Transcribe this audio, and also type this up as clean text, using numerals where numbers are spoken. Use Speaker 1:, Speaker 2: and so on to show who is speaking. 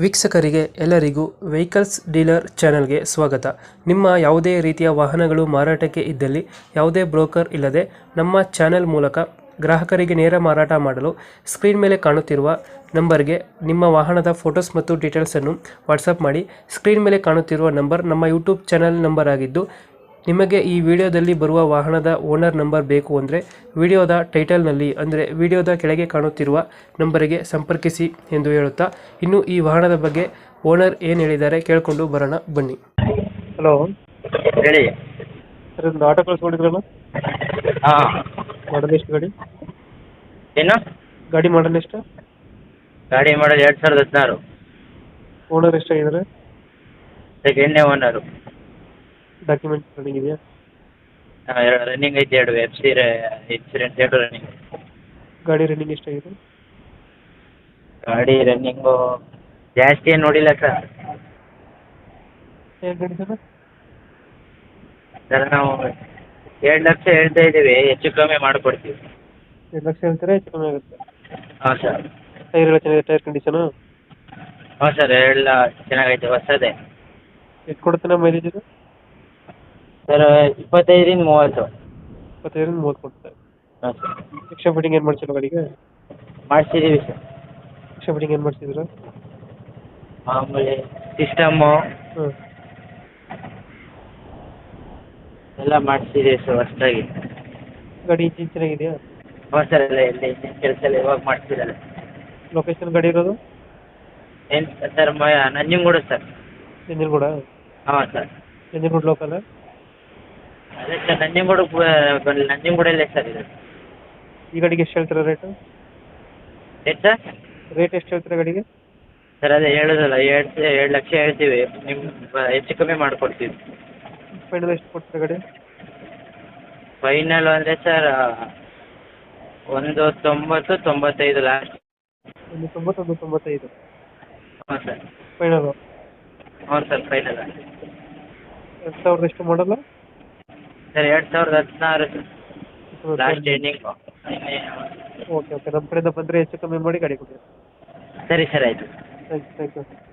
Speaker 1: ವೀಕ್ಷಕರಿಗೆ ಎಲ್ಲರಿಗೂ vehicles dealer ಚಾನೆಲ್ಗೆ ಸ್ವಾಗತ. ನಿಮ್ಮ ಯಾವುದೇ ರೀತಿಯ ವಾಹನಗಳು ಮಾರಾಟಕ್ಕೆ ಇದ್ದಲ್ಲಿ ಯಾವುದೇ ಬ್ರೋಕರ್ ಇಲ್ಲದೆ ನಮ್ಮ ಚಾನೆಲ್ ಮೂಲಕ ಗ್ರಾಹಕರಿಗೆ ನೇರ ಮಾರಾಟ ಮಾಡಲು ಸ್ಕ್ರೀನ್ ಮೇಲೆ ಕಾಣುತ್ತಿರುವ ನಂಬರ್ಗೆ ನಿಮ್ಮ ವಾಹನದ ಫೋಟೋಸ್ ಮತ್ತು ಡೀಟೇಲ್ಸನ್ನು ವಾಟ್ಸಪ್ ಮಾಡಿ. ಸ್ಕ್ರೀನ್ ಮೇಲೆ ಕಾಣುತ್ತಿರುವ ನಂಬರ್ ನಮ್ಮ ಯೂಟ್ಯೂಬ್ ಚಾನೆಲ್ ನಂಬರ್ ಆಗಿದ್ದು, ನಿಮಗೆ ಈ ವಿಡಿಯೋದಲ್ಲಿ ಬರುವ ವಾಹನದ ಓನರ್ ನಂಬರ್ ಬೇಕು ಅಂದರೆ ವಿಡಿಯೋದ ಟೈಟಲ್ನಲ್ಲಿ ಅಂದರೆ ವಿಡಿಯೋದ ಕೆಳಗೆ ಕಾಣುತ್ತಿರುವ ನಂಬರಿಗೆ ಸಂಪರ್ಕಿಸಿ ಎಂದು ಹೇಳುತ್ತಾ, ಇನ್ನು ಈ ವಾಹನದ ಬಗ್ಗೆ ಓನರ್ ಏನು ಹೇಳಿದ್ದಾರೆ ಕೇಳಿಕೊಂಡು ಬರೋಣ ಬನ್ನಿ. ಹಲೋ
Speaker 2: ಹೇಳಿ.
Speaker 1: ಸರ್, ಒಂದು ಆಟೋ ಕಳಿಸ್ಕೊಂಡಿದ್ರಲ್ಲ,
Speaker 2: ಹಾಂ,
Speaker 1: ಮಾಡಲ್ ಎಷ್ಟು ಗಾಡಿ?
Speaker 2: ಏನು
Speaker 1: ಗಾಡಿ ಮಾಡಲ್ ಎಷ್ಟು?
Speaker 2: ಗಾಡಿ ಮಾಡಲ್ 2016.
Speaker 1: ಓನರ್ ಎಷ್ಟಾಗಿದ್ದಾರೆ?
Speaker 2: ಸೆಕೆಂಡ್ನೇ ಓನರು.
Speaker 1: ಡಾಕ್ಯುಮೆಂಟ್ಸ್ ರನ್ನಿಂಗ್ ಇದೆಯಾ?
Speaker 2: ರನ್ನಿಂಗ್ ಐತೆ, 2 FC ಇನ್ಸೂರೆನ್ಸ್ 2 ರನ್ನಿಂಗ್.
Speaker 1: ಗಾಡಿ ರನ್ನಿಂಗ್ ಎಷ್ಟಾಗಿದೆ?
Speaker 2: ಗಾಡಿ ರನ್ನಿಂಗು ಜಾಸ್ತಿ ಏನು ನೋಡಿಲ್ಲ ಸರ್.
Speaker 1: ಏನು ಗಾಡಿ ಸರ್?
Speaker 2: ಸರ್, ನಾವು 2 ಲಕ್ಷ ಹೇಳ್ತಾ ಇದ್ದೀವಿ, ಹೆಚ್ಚು ಕಮ್ಮಿ ಮಾಡಿಕೊಡ್ತೀವಿ.
Speaker 1: 2 ಲಕ್ಷ ಹೇಳ್ತಾರೆ, ಹೆಚ್ಚು ಕಮ್ಮಿ ಆಗುತ್ತೆ.
Speaker 2: ಹಾಂ ಸರ್.
Speaker 1: ಟೈರ್ ಎಲ್ಲ ಚೆನ್ನಾಗಿದೆ? Tyre condition?
Speaker 2: ಹಾಂ ಸರ್, ಎಲ್ಲ ಚೆನ್ನಾಗೈತೆ, ಹೊಸದೇ.
Speaker 1: ಎಷ್ಟು ಕೊಡುತ್ತೆ ನಮ್ಮ ಮೈಲೇಜ್ ಇದು?
Speaker 2: ಸರ್, 25ರಿಂದ 30.
Speaker 1: 25ರಿಂದ 30 ಕೊಡುತ್ತೆ.
Speaker 2: ಹಾಂ ಸರ್.
Speaker 1: ಎಕ್ಸ್ಟ್ರಾ ಫಿಟ್ಟಿಂಗ್ ಏನು ಮಾಡ್ಸಿಲ್ಲ ಗಾಡಿಗೆ?
Speaker 2: ಮಾಡಿಸಿದ್ದೀವಿ ಸರ್.
Speaker 1: ಎಕ್ಸ್ಟ್ರಾ ಫಿಟ್ಟಿಂಗ್ ಏನು ಮಾಡಿಸಿದ್ರ?
Speaker 2: ಮಾಮೂಲಿ ಸಿಸ್ಟಮ್ಮು
Speaker 1: ಹ್ಞೂ.
Speaker 2: ಎಲ್ಲ ಮಾಡಿಸಿದ್ದೀವಿ ಸರ್ ಹೊಸದಾಗಿ.
Speaker 1: ಗಾಡಿ ಇಂಜಿನ್ ಚೆನ್ನಾಗಿದೆಯಾ?
Speaker 2: ಹಾಂ ಸರ್, ಎಲ್ಲ ಕೆಲಸ ಎಲ್ಲ ಇವಾಗ ಮಾಡಿಸಿದ್ದಾರೆ.
Speaker 1: ಲೊಕೇಶನ್ ಗಾಡಿ ಇರೋದು?
Speaker 2: ಏನು ಸರ್, ನಂಜನಗೂಡು ಸರ್.
Speaker 1: ನಂಜನಗೂಡ?
Speaker 2: ಹಾಂ ಸರ್.
Speaker 1: ನಂಜನಗೂಡು ಲೋಕಲ್?
Speaker 2: ಅದೇ ಸರ್, ನಂಜನಗೂಡಲ್ಲೇ ಸರ್ ಇದು.
Speaker 1: ಈ ಗಾಡಿಗೆ ಎಷ್ಟು ಹೇಳ್ತೀರಾ ರೇಟು?
Speaker 2: ಏನು ಸರ್?
Speaker 1: ರೇಟ್ ಎಷ್ಟು ಹೇಳ್ತೀರಾ ಗಾಡಿಗೆ?
Speaker 2: ಸರ್, ಅದೇ ಹೇಳೋದಲ್ಲ, 2 ಲಕ್ಷ ಹೇಳ್ತೀವಿ, ನಿಮ್ಮ ಹೆಚ್ಚು ಕಮ್ಮಿ ಮಾಡಿಕೊಡ್ತೀವಿ.
Speaker 1: ಫೈನಲ್ ಎಷ್ಟು ಕೊಡ್ತೀರಾ ಗಾಡಿ?
Speaker 2: ಫೈನಲ್ ಅಂದರೆ ಸರ್, 190-95 ಲಾಸ್ಟ್.
Speaker 1: 190-95?
Speaker 2: ಹಾಂ ಸರ್.
Speaker 1: ಫೈನಲು?
Speaker 2: ಹ್ಞೂ ಸರ್, ಫೈನಲ್.
Speaker 1: 2000 ಎಷ್ಟು ಮಾಡಲ್ಲ?
Speaker 2: ಸರ್, 2016 ಸರ್, ಲಾಸ್ಟ್ ಎಂಡಿಂಗು.
Speaker 1: ಓಕೆ ಓಕೆ, ನಮ್ಮ ಕಡೆಯಿಂದ ಬಂದರೆ ಹೆಚ್ಚು ಕಮ್ಮಿ ಮಾಡಿ ಗಾಡಿ ಕೊಡಿ.
Speaker 2: ಸರಿ ಸರ್, ಆಯಿತು.
Speaker 1: Thank you.